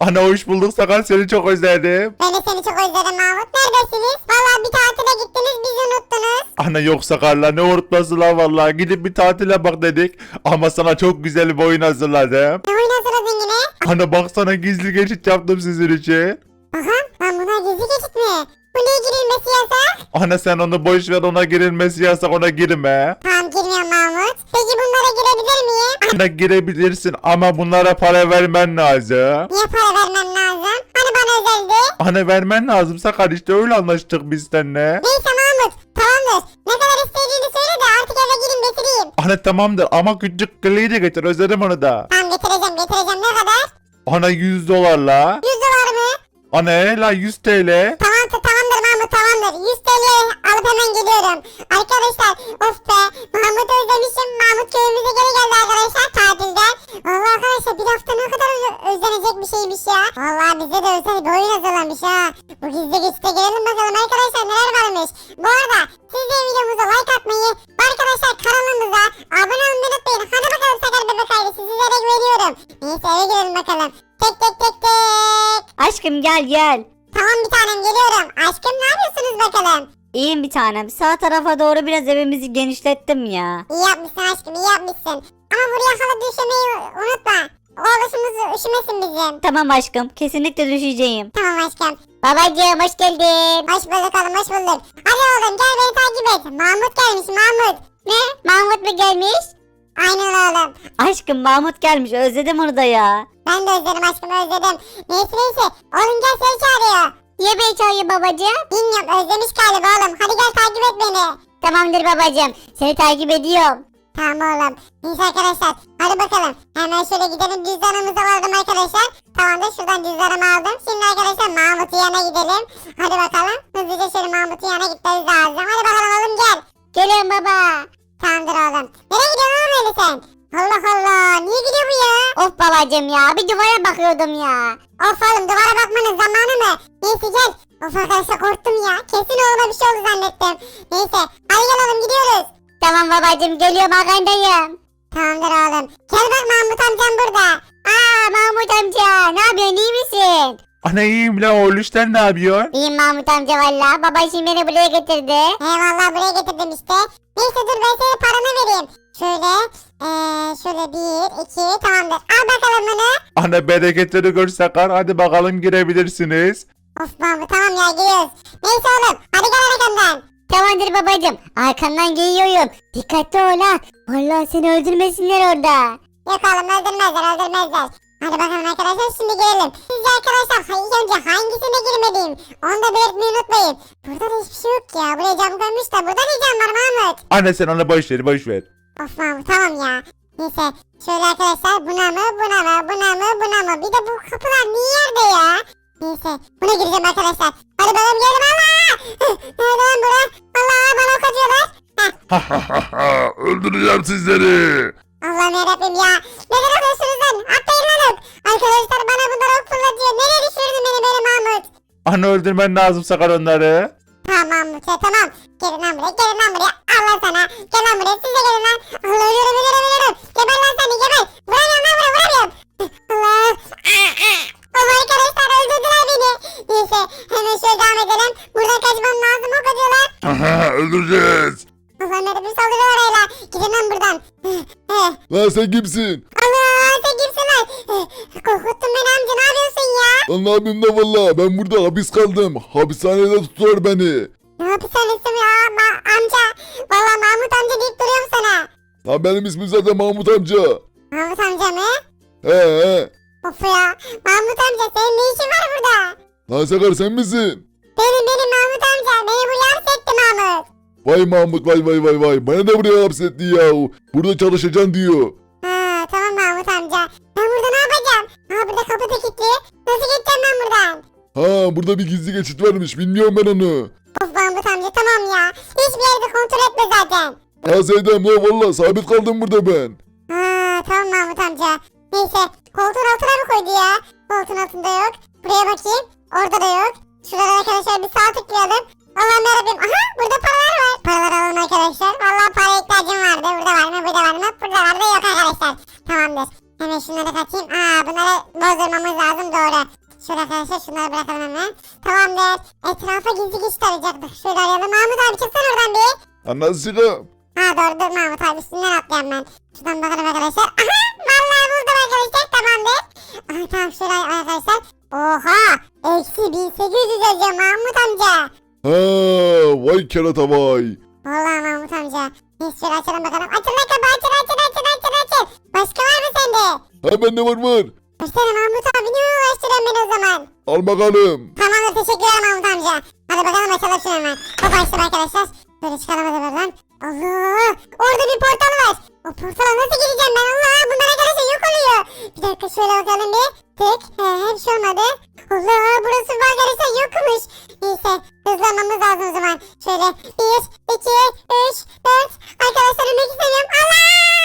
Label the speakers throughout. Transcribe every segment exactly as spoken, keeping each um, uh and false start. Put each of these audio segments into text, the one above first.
Speaker 1: Ana hoş bulduk Sakar, seni çok özledim.
Speaker 2: Ben de seni çok özledim Mahmut. Neredesiniz? Vallahi bir tatile gittiniz, bizi unuttunuz.
Speaker 1: Ana yok Sakar'la, ne unutması lan vallahi. Gidip bir tatile bak dedik. Ama sana çok güzel bir oyun hazırladım.
Speaker 2: Ne oyun hazırladın yine?
Speaker 1: Ana baksana, gizli geçit yaptım sizin için.
Speaker 2: Aha, ben buna gizli geçit mi? Bu niye girilmesi yasak?
Speaker 1: Ana sen onu boş ver, ona girilmesi yasak, ona girme.
Speaker 2: Tamam, girmiyorum Mahmut. Peki bunlara girebilir miyim?
Speaker 1: Ana girebilirsin ama bunlara para vermen lazım.
Speaker 2: Niye para vermem lazım? Hani bana özeldi?
Speaker 1: Ana vermen lazım Sakar, işte öyle anlaştık biz seninle.
Speaker 2: Neyse Mahmut, tamamdır. Ne kadar istediğini söyle de artık eve gireyim getireyim.
Speaker 1: Ana tamamdır ama küçük kılıyı da getir, özledim onu da.
Speaker 2: Tamam, getireceğim getireceğim. Ne kadar?
Speaker 1: Ana yüz dolarla.
Speaker 2: yüz dolar mı?
Speaker 1: Ana la yüz T L.
Speaker 2: Tamam tamamdır Mahmut, tamamdır. yüz T L alıp hemen geliyorum. Arkadaşlar, of be, Mahmut'u özlemişim. Mahmut köyümüze geri geldi arkadaşlar tatilden. Vallahi arkadaşlar, bir hafta ne kadar öz- özlenecek bir şeymiş ya. Vallahi bize de özel bir oyun hazırlamış ha. Bu gizli geçite girelim bakalım arkadaşlar, neler varmış. Bu arada siz de videomuza like atmayı ve arkadaşlar kanalımıza abone olmayı unutmayın. Hadi bakalım Sakar Bebek ailesi, sizlere güveniyorum. Neyse, eve girelim bakalım. Tek tek tek tek.
Speaker 3: Aşkım gel gel.
Speaker 2: Tamam bir tanem, geliyorum. Aşkım ne yapıyorsunuz bakalım?
Speaker 3: İyiyim bir tanem. Sağ tarafa doğru biraz evimizi genişlettim ya.
Speaker 2: İyi yapmışsın aşkım, iyi yapmışsın. Ama buraya halı düşemeyi unutma. Oğluşumuz üşümesin bizim.
Speaker 3: Tamam aşkım. Kesinlikle düşeceğim.
Speaker 2: Tamam aşkım.
Speaker 3: Babacığım hoş geldin.
Speaker 2: Hoş bulduk oğlum, hoş bulduk. Hadi oğlum gel, beni takip et. Mahmut gelmiş, Mahmut.
Speaker 3: Ne? Mahmut mu gelmiş?
Speaker 2: Aynen oğlum.
Speaker 3: Aşkım Mahmut gelmiş. Özledim onu da ya.
Speaker 2: Ben de özledim aşkım, özledim. Neyse neyse. Oğlum gel, seni çağırıyor.
Speaker 3: Niye beni çağırıyor babacığım?
Speaker 2: Bilmiyorum, özlemiş galiba oğlum. Hadi gel, takip et beni.
Speaker 3: Tamamdır babacığım. Seni takip ediyorum.
Speaker 2: Tamam oğlum. Neyse arkadaşlar, hadi bakalım. Hemen şöyle gidelim, cüzdanımızı aldım arkadaşlar. Tamamdır, şuradan cüzdanımı aldım. Şimdi arkadaşlar Mahmut'un yanına gidelim. Hadi bakalım. Hızlıca şöyle Mahmut'un yanına gitmemiz lazım. Hadi bakalım oğlum, gel.
Speaker 3: Geliyorum baba.
Speaker 2: Tamamdır oğlum. Nereye gidiyorsun oğlum öyle sen? Allah Allah, niye gidiyor bu ya?
Speaker 3: Of babacığım ya. Bir duvara bakıyordum ya.
Speaker 2: Of oğlum, duvara bakmanın zamanı mı? Neyse gel. Of arkadaşlar, korktum ya. Kesin oğluma bir şey oldu zannettim. Neyse, hadi gel oğlum, gidiyoruz.
Speaker 3: Tamam babacığım geliyorum arkandayım.
Speaker 2: Tamamdır oğlum. Gel bak, Mahmut amcam burada.
Speaker 3: Aa Mahmut amca. Ne yapıyorsun, iyi misin?
Speaker 1: Ana iyiyim la oğlum, sen ne yapıyorsun?
Speaker 3: İyiyim Mahmut amca valla. Baba şimdi beni buraya getirdi.
Speaker 2: Eyvallah, buraya getirdim işte. Neyse dur, ben senin paranı vereyim. Şöyle, ee, şöyle bir, iki, tamamdır. Al bakalım bunu.
Speaker 1: Ana bereketleri gör Sakar, hadi bakalım girebilirsiniz.
Speaker 2: Of Mahmut, tamam ya, giriyoruz. Neyse oğlum, hadi gel arkamdan.
Speaker 3: Tamamdır babacığım. Arkandan geliyorum. Dikkatli ol ha. Vallahi seni öldürmesinler orada.
Speaker 2: Yok oğlum, öldürmezler, öldürmezler. Hadi bakalım arkadaşlar, şimdi girelim. Sizce arkadaşlar ha- ilk önce hangisine girmeliyim? Onu da belirtmeyi unutmayın. Burada da hiçbir şey yok ya. Buraya cam koymuş da burada ne cam var Mahmut?
Speaker 1: Ana sen ona boş ver, boş ver.
Speaker 2: Of Mahmut, tamam ya. Neyse, şöyle arkadaşlar, buna mı, buna mı, buna mı, buna mı? Bir de bu kapılar niye yerde ya? Neyse, buna gireceğim arkadaşlar. Hadi bakalım, geldim. Allah! Nerede lan bura? Allah, bana ok atıyorlar. Heh,
Speaker 1: Öldüreceğim sizleri.
Speaker 2: Allah'ım yarabbim ya. Neden atıyorsunuz lan? Atlayın lan ok. Arkadaşlar bana bunlar ok fırlatıyor. Nereye düşürdün beni böyle Mahmut?
Speaker 1: Ana öldürmen lazım Sakar onları.
Speaker 2: Tamam Mahmut ya, tamam. Gelin lan buraya, gelin lan buraya. Allah sana. Gel lan buraya, siz de gelin lan. Allah, ölüyorum, ölüyorum, ölüyorum. Geber lan seni, geber. Vuramıyorum lan buraya, vuramıyorum. Allah. Allah, arkadaşlar öldürdüler beni. Neyse, hemen şöyle devam edelim. Buradan kaçmam lazım, ok atıyorlar.
Speaker 1: Aha, öldüreceğiz.
Speaker 2: Allah'ım yarabbim, saldırıyorlar öyle. Gidin lan buradan.
Speaker 1: Lan sen kimsin?
Speaker 2: Allah, sen kimsin lan? Korkuttun beni amca, ne yapıyorsun ya?
Speaker 4: Lan ne yapayım da valla ben burada hapis kaldım. Hapishanede tutuyor beni.
Speaker 2: Ne hapishanesi ya Ma- amca? Valla Mahmut amca deyip duruyorum sana.
Speaker 4: Lan benim ismim zaten Mahmut amca.
Speaker 2: Mahmut amca mı?
Speaker 4: He he.
Speaker 2: Of ya. Mahmut amca, senin ne işin var burada?
Speaker 4: Lan Sakar sen misin?
Speaker 2: Benim benim Mahmut amca. Beni buraya hapsetti Mahmut.
Speaker 4: Vay Mahmut vay vay vay vay. Bana da buraya hapsetti ya. Burada çalışacaksın diyor.
Speaker 2: Ha tamam Mahmut amca. Ben burada ne yapacağım? Ha, burada kapı da kilitli. Nasıl gideceğim ben buradan?
Speaker 4: Ha burada bir gizli geçit varmış. Bilmiyorum ben onu.
Speaker 2: Of Mahmut amca, tamam ya. Hiçbir yerde kontrol etme zaten.
Speaker 4: Ha Seydem la valla sabit kaldım burada ben.
Speaker 2: Ha tamam Mahmut amca. Neyse, koltuğun altına mı koydu ya? Koltuğun altında yok. Buraya bakayım. Orada da yok. Şurada arkadaşlar bir sağ tıklayalım. Allah'ım yarabbim. Aha, burada paralar var. Paralar alalım arkadaşlar. Vallahi para ihtiyacım vardı. Burada var mı? Burada var mı? Burada var da yok arkadaşlar. Tamamdır. Hemen şunları katayım. Aa bunları bozdurmamız lazım doğru. Şöyle arkadaşlar şunları bırakalım hemen. Tamamdır. Etrafa gizli geçit arayacaktık. Şöyle arayalım. Mahmut abi çıksana oradan bir.
Speaker 4: Anasını.
Speaker 2: Ha doğru dur Mahmut abi üstünden atlayayım ben. Şuradan bakalım arkadaşlar. Aha vallahi buldum arkadaşlar tamamdır. Aha tamam şöyle arkadaşlar. Oha eksi bin sekiz yüz yazıyor Mahmut amca.
Speaker 4: Ha, vay kerata vay.
Speaker 2: Vallahi Mahmut amca. Neyse şöyle açalım bakalım. Açın lan kapı açın açın açın açın açın. Başka var mı sende?
Speaker 4: Ha bende var var.
Speaker 2: Versene Mahmut abi niye uğraştırıyorsun beni o zaman?
Speaker 4: Al bakalım.
Speaker 2: Tamamdır teşekkür ederim Mahmut amca. Hadi bakalım açalım şunu hemen. Hop açtım arkadaşlar. Böyle çıkalım hadi buradan. Allah! Orada bir portal var. O portala nasıl gireceğim ben? Allah! Bunlar arkadaşlar yok oluyor. Bir dakika şöyle bakalım bir. Tık. He, hiç şey olmadı. Allah! Burası var arkadaşlar yokmuş. Neyse hızlanmamız lazım o zaman. Şöyle bir, iki, üç, dört. Arkadaşlar ölmek istemiyorum. Allah!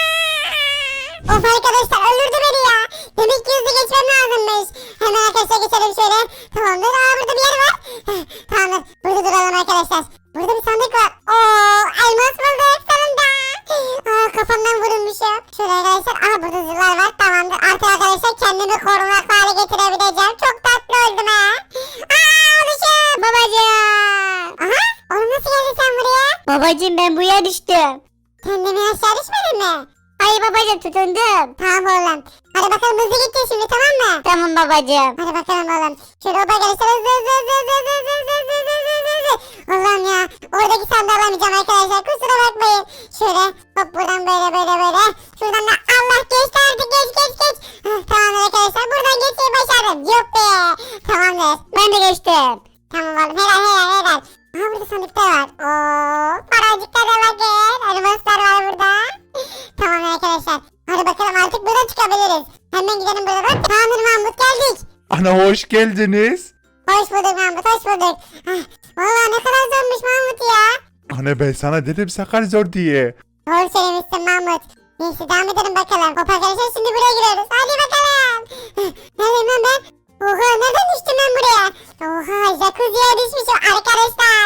Speaker 2: Of arkadaşlar öldürdü beni ya. Demek ki hızlı geçmem lazımmış. Hemen arkadaşlar geçelim şöyle. Tamamdır. Aa burada bir yer var. Heh, tamamdır. Burada duralım arkadaşlar. Burada bir sandık var. Oo elmas bulduk sonunda. Aa kafamdan vurulmuşum. Şöyle arkadaşlar. Aa burada zırhlar var. Tamamdır. Artık arkadaşlar kendimi korunaklı hale getirebileceğim. Çok tatlı oldum ha. Aa oluşum.
Speaker 3: Babacım.
Speaker 2: Aha. Oğlum nasıl geldin sen buraya?
Speaker 3: Babacım ben buraya düştüm.
Speaker 2: Kendimi aşağı düşmedin mi?
Speaker 3: Hayır babacım tutundum.
Speaker 2: Tamam oğlum. Hadi bakalım hızlı gideceğiz şimdi tamam mı?
Speaker 3: Tamam babacım.
Speaker 2: Hadi bakalım oğlum. Şöyle oba gelirse hızlı hızlı hızlı hızlı hızlı hızlı hızlı hızlı hızlı hızlı hızlı. Allah'ım ya. Oradaki sandığı alamayacağım arkadaşlar. Kusura bakmayın. Şöyle hop buradan böyle böyle böyle. Şuradan da Allah geçti artık geç geç geç. Hah, tamamdır arkadaşlar. Buradan geçmeyi başardım. Yok be. Tamamdır.
Speaker 3: Ben de geçtim.
Speaker 2: Tamam oğlum. Helal helal helal. Aha burada sandıklar var. Oo, paracıklara bakın. Elmaslar var burada. Tamam arkadaşlar. Hadi bakalım artık buradan çıkabiliriz. Hemen gidelim buradan. Tamamdır Mahmut geldik.
Speaker 1: Ana hoş geldiniz.
Speaker 2: Hoş bulduk Mahmut hoş bulduk. Hah, vallahi ne kadar zormuş Mahmut ya.
Speaker 1: Ana ben sana dedim sakar zor diye.
Speaker 2: Doğru söylemişsin Mahmut. Neyse devam edelim bakalım. Hop arkadaşlar şimdi buraya giriyoruz. Hadi bakalım. Hah, neredeyim lan ben? Oha nereden düştüm ben buraya? Oha jacuzziye düşmüşüm arkadaşlar.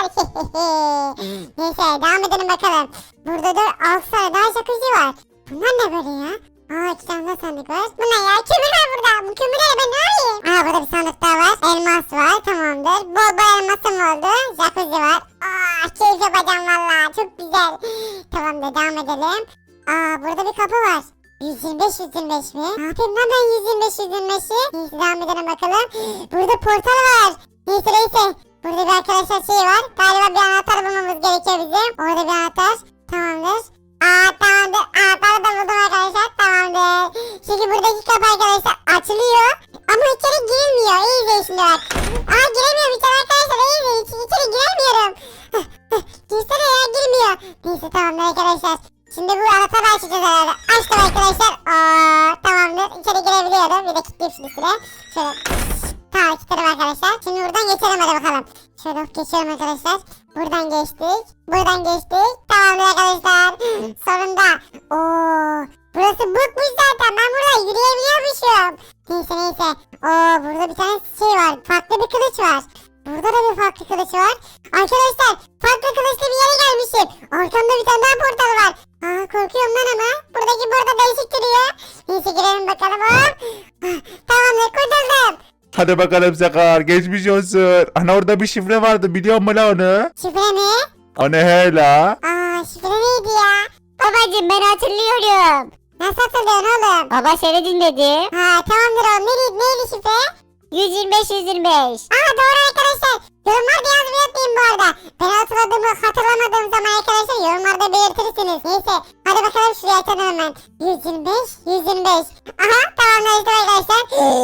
Speaker 2: Neyse devam edelim bakalım. Burada da altı tane daha jacuzzi var. Bunlar ne böyle ya? Aa iki tane daha sandık var. Bu ne ya? Kömür var burada. Bu kömürleri ben ne arayayım? Aa burada bir sandık daha var. Elmas var tamamdır. Bol bol elmasım oldu. Jacuzzi var. Aa keyif yapacağım valla. Çok güzel. Tamamdır devam edelim. Aa burada bir kapı var. yüz yirmi beş yüz yirmi beş mi? Ne yapayım lan ben yüz yirmi beş yüz yirmi beşi? Neyse devam edelim bakalım. Burada portal var. Neyse neyse. Burada bir arkadaşlar şey var. Galiba bir anahtar bulmamız gerekiyor bizim. Orada bir anahtar. Tamamdır. Aa tamamdır. Anahtarı da buldum arkadaşlar. Tamamdır. Şimdi buradaki kapı arkadaşlar açılıyor. Ama içeri girilmiyor. İyi izleyin şimdi bak. Aa giremiyorum içeri arkadaşlar. İyi izleyin. İçeri, içeri giremiyorum. Girsene ya girmiyor. Neyse tamamdır arkadaşlar. Şimdi bu anahtarı açacağız herhalde. Açtım arkadaşlar. Aa tamamdır. İçeri girebiliyorum. Bir de kilitleyeyim şimdi süre. Şöyle. Tamam kilitledim arkadaşlar. Şimdi buradan geçelim hadi bakalım. Şöyle geçiyorum arkadaşlar. Buradan geçtik. Buradan geçtik. Tamamdır arkadaşlar. Sonunda. Oo, burası bukmuş zaten. Ben buradan yürüyebiliyormuşum. Neyse neyse. Oo, burada bir tane şey var. Farklı bir kılıç var. Burada da bir farklı kılıç var. Arkadaşlar farklı kılıçlı bir yere gelmişim. Arkamda bir tane daha portal var. Aa korkuyorum lan ama. Buradaki burada değişik duruyor. Neyse girelim bakalım. Hop. Tamamdır kurtuldum.
Speaker 1: Hadi bakalım sakar geçmiş olsun. Ana orada bir şifre vardı biliyor musun la onu?
Speaker 2: Şifre mi?
Speaker 1: O ne he la?
Speaker 2: Aa şifre neydi ya?
Speaker 3: Babacım ben hatırlıyorum.
Speaker 2: Nasıl hatırlıyorsun oğlum?
Speaker 3: Baba seni dinledi.
Speaker 2: Ha tamamdır oğlum. Neydi, neydi şifre?
Speaker 3: yüz yirmi beş yüz yirmi beş.
Speaker 2: Aa doğru arkadaşlar. Yorumlarda yazmayı unutmayın bu arada. Ben hatırladığımı hatırlamadığım zaman arkadaşlar yorumlarda belirtirsiniz. Neyse hadi bakalım şuraya açalım hemen. yüz yirmi beş yüz yirmi beş. Aha tamamdır arkadaşlar.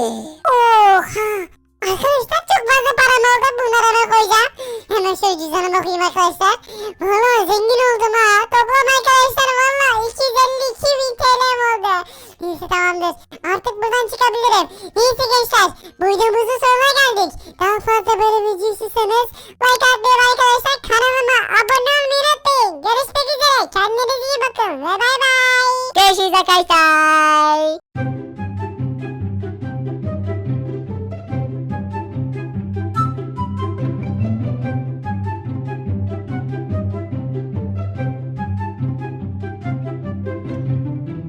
Speaker 2: Oha. Arkadaşlar çok fazla param oldu. Bunları hemen koyacağım. Hemen şöyle cüzdanıma koyayım arkadaşlar. Valla zengin oldum ha. Toplam arkadaşlar valla iki yüz elli iki bin T L'm oldu. Neyse tamamdır. Artık buradan çıkabilirim. Neyse gençler. Bu videomuzun sonuna geldik. Daha fazla böyle video istiyorsanız like atmayı ve arkadaşlar kanalıma abone olmayı unutmayın. Görüşmek üzere. Kendinize iyi bakın ve bay bay.
Speaker 3: Görüşürüz arkadaşlar.